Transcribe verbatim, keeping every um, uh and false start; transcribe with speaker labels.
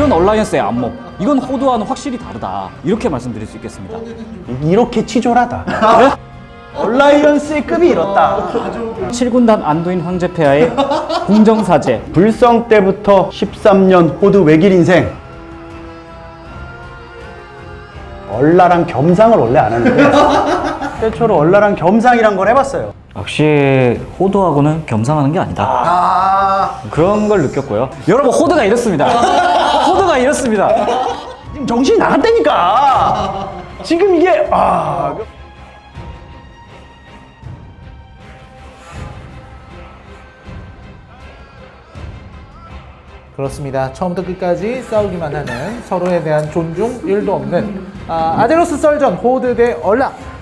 Speaker 1: 이런 얼라이언스의 안목, 이건 호드와는 확실히 다르다. 이렇게 말씀드릴 수 있겠습니다.
Speaker 2: 이렇게 치졸하다. 얼라이언스의 급이 이렇다.
Speaker 1: 칠 군단 안두인 황제폐하의 궁정사제.
Speaker 2: 불성 때부터 십삼 년 호드 외길 인생. 얼라랑 겸상을 원래 안 하는데 최초로 얼라랑 겸상이란 걸 해봤어요.
Speaker 1: 역시 호드하고는 겸상하는 게 아니다.
Speaker 2: 아,
Speaker 1: 그런 걸 느꼈고요. 여러분, 호드가 이렇습니다. 호드가 이렇습니다.
Speaker 2: 지금 정신이 나갔다니까. 지금 이게 아.
Speaker 3: 그렇습니다. 처음부터 끝까지 싸우기만 하는 서로에 대한 존중 일도 없는 아, 아제로스 썰전 호드 대 얼라